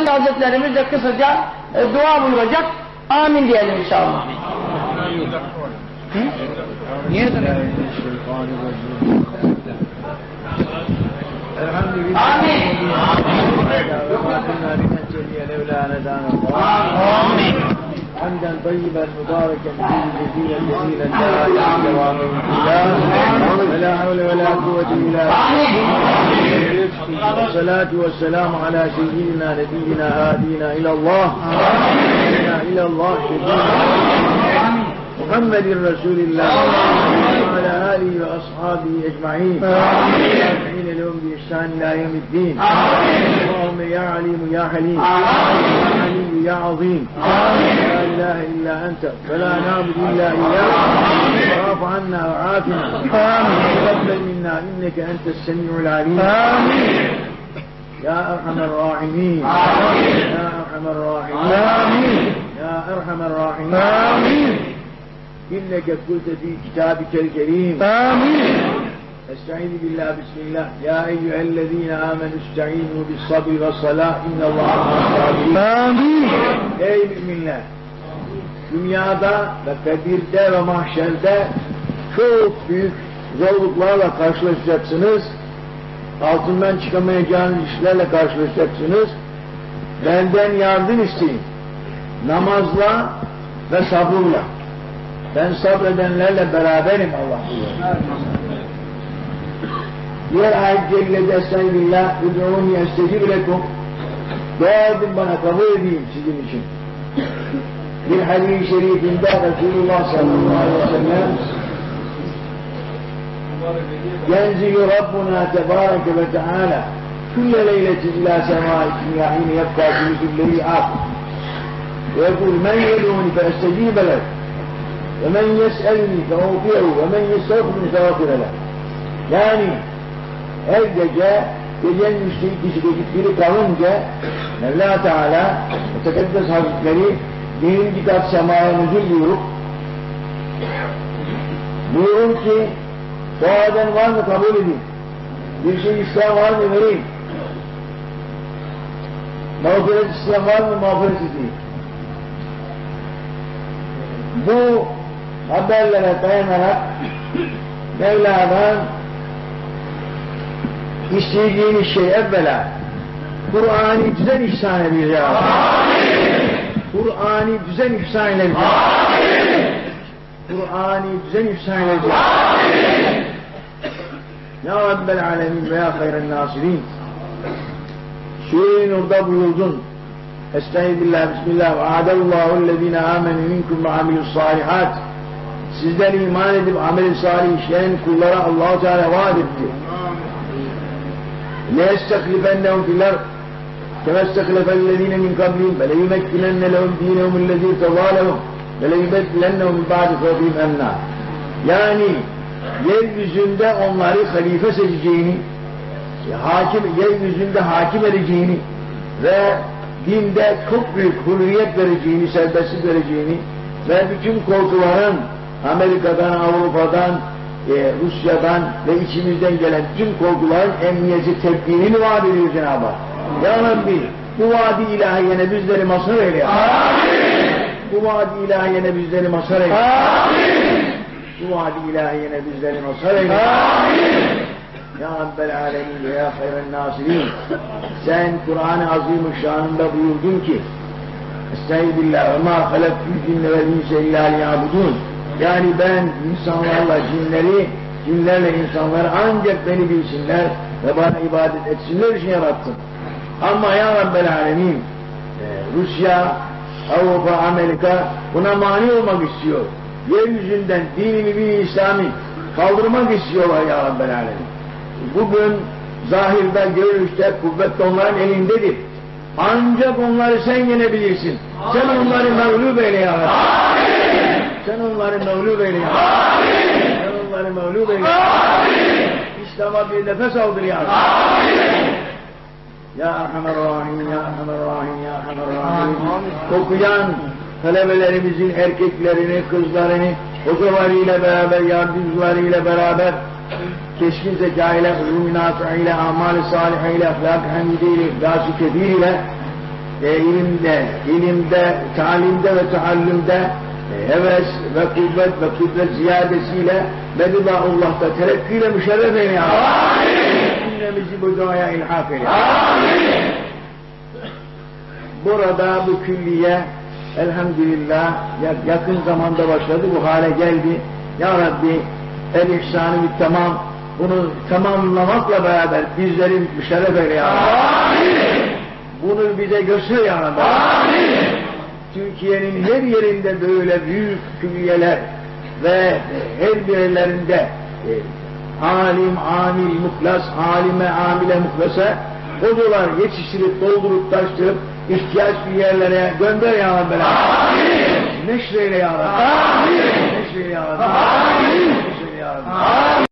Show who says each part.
Speaker 1: Efendi Hazretlerimiz de kısaca dua buyuracak. Amin diyelim inşallah. Niye
Speaker 2: Amin. حمدا طيبا مباركا فيه جزيلا جزيلا لا اله ولا حول ولا قوة الا بالله. والصلاة والسلام على سيدنا نبينا هادينا الى الله محمد رسول الله وعلى آله وأصحابه أجمعين والتابعين لهم بإحسان إلى يوم الدين. اللهم يا عليم يا حليم يا عليم يا عظيم لا إله إلا أنت فلا نعبد إلا إياك واعف عنا وعافنا وتقبل منا إنك أنت السميع العليم يا أرحم الراحمين يا أرحم الراحمين يا أرحم الراحمين إنك قلت في كتابك الكريم آمين. استعيذ بالله بسم الله يا أيها الذين آمنوا استعينوا بالصبر والصلاة إن الله مع الصابرين. آمين. Ey müminler! Dünyada ve kabirde ve mahşerde çok büyük zorluklarla karşılaşacaksınız. Altından çıkamayacağınız işlerle karşılaşacaksınız. Benden yardım isteyin. Namazla ve sabırla. Ben sabredenlerle beraberim Allah buyuruyor. Diğer ayet-i cellede estağfirullah ud'ûni estecib lekum. Dua edin bana kabul edeyim sizin için. Bir hadis-i şerifinde Resulullah sallallahu aleyhi ve sellem ينزل ربنا تبارك وتعالى كل ليلة إلى سماء الدنيا حين يبقى ثلث الليل آخر ويقول من يدعوني فأستجيب له ومن يسألني فأوفيه ومن يستغفرني فأغفر له. Yani her gece gecenin üçte biri kalınca Mevla Teala Tekaddes Hazretleri birinci kat semaya nüzul buyurun ki duadan var mı kabul edin, bir şey isteyen var mı vereyim, mağfiret isteyen var mı mağfiret edeyim. Bu haberlere dayanarak Mevla'dan istediğiniz şey evvela Kur'an-ı düzen ihsan edeceğiz. Kur'an-ı düzen ihsan edeceğiz. Kur'an-ı düzen ihsan edeceğiz. Ya Rabbel alemin ve ya hayren nasirin. Sure-i Nur'da buyurdun. Estağfirullah, bismillah ve a'dallâhu'llezîne âmenü minkum ve amilussâlihat. Sizden iman edip amel-i salih işleyen kullara Allah-u Teala vaat etti. لَيَسْتَخْلِفَنَّهُمْ فِي الْأَرْضِ كَمَا اسْتَخْلَفَ الَّذ۪ينَ مِنْ قَبْلِهِمْ وَلَيُمَكِّنَنَّ لَهُمْ دِينَهُمُ الَّذ۪ي ارْتَضَىٰ لَهُمْ وَلَيُبَدِّلَنَّهُمْ مِنْ بَعْدِ خَوْفِهِمْ أَمْنًا. Yani yeryüzünde onları halife seçeceğini, yeryüzünde hakim edeceğini ve dinde çok büyük hürriyet vereceğini, serbestlik vereceğini ve bütün korkuların Amerika'dan, Avrupa'dan, Rusya'dan ve içimizden gelen tüm korkuların emniyeti tedbirini vaat ediyor Cenab-ı Hak. Ya Rabbi, bu vaadi ilahiyene bizleri mazhar eyle. Bu vaadi ilahiyene bizleri mazhar eyle. Bu vaadi ilahiyene bizleri mazhar eyle. Ya Rabbel alemin ve ya hayren nasirin. Sen Kur'an-ı Azimüşşan'ında buyurdun ki Estağfirullah ve ma halaktul cinne vel insa illa liya'budun. Yani ben insanlarla cinlerle insanları ancak beni bilsinler ve bana ibadet etsinler için yarattım. Ama ya Rabbel alemin Rusya, Avrupa, Amerika buna mani olmak istiyor. Yeryüzünden dini mübin İslami kaldırmak istiyorlar ya Rabbel alemin. Bugün zahirde, görünüşte, kuvvet onların elindedir. Ancak onları sen yenebilirsin. Sen onları mağlup eyle ya Rabbi. Sen onları mağlup eyle ya Rabbi. Sen onları mağlup eyle ya Rabbi. İslam'a bir nefes aldır ya Rabbi. Ya Erhamer Rahim, Ya Erhamer Rahim, Ya Erhamer Rahim. Okuyan talebelerimizin erkeklerini, kızlarını, hocalarıyla beraber, yardımcılarıyla beraber keskin zeka ile, ulûm-i nâfi'a ile, amal-i sâlihe ile, ahlâk-ı hamide ile, ihlas-ı kebir ile ilimde, talimde ve taallümde heves ve kuvvet ziyadesiyle Medinaullah'ta terakkiyle müşerref eyle ya Rabbi. Cümlemizi bu duaya ilhak eyle. Burada bu külliye elhamdülillah yakın zamanda başladı, bu hale geldi. Ya Rabbi el-ihsanı tamam, bunu tamamlamakla beraber bizleri müşerref eyle ya Rabbi. Bunu bize göster ya Rabbi. Türkiye'nin her yerinde böyle büyük külliyeler ve her birlerinde alim, amil, muhlas, alime, amile, muhlasa hocalar yetiştirip, doldurup, taştırıp ihtiyaç bir yerlere gönder ya Rabbi. Neşreyle ya Rabbi. Neşreyle ya Rabbi. Neşreyle ya Rabbi.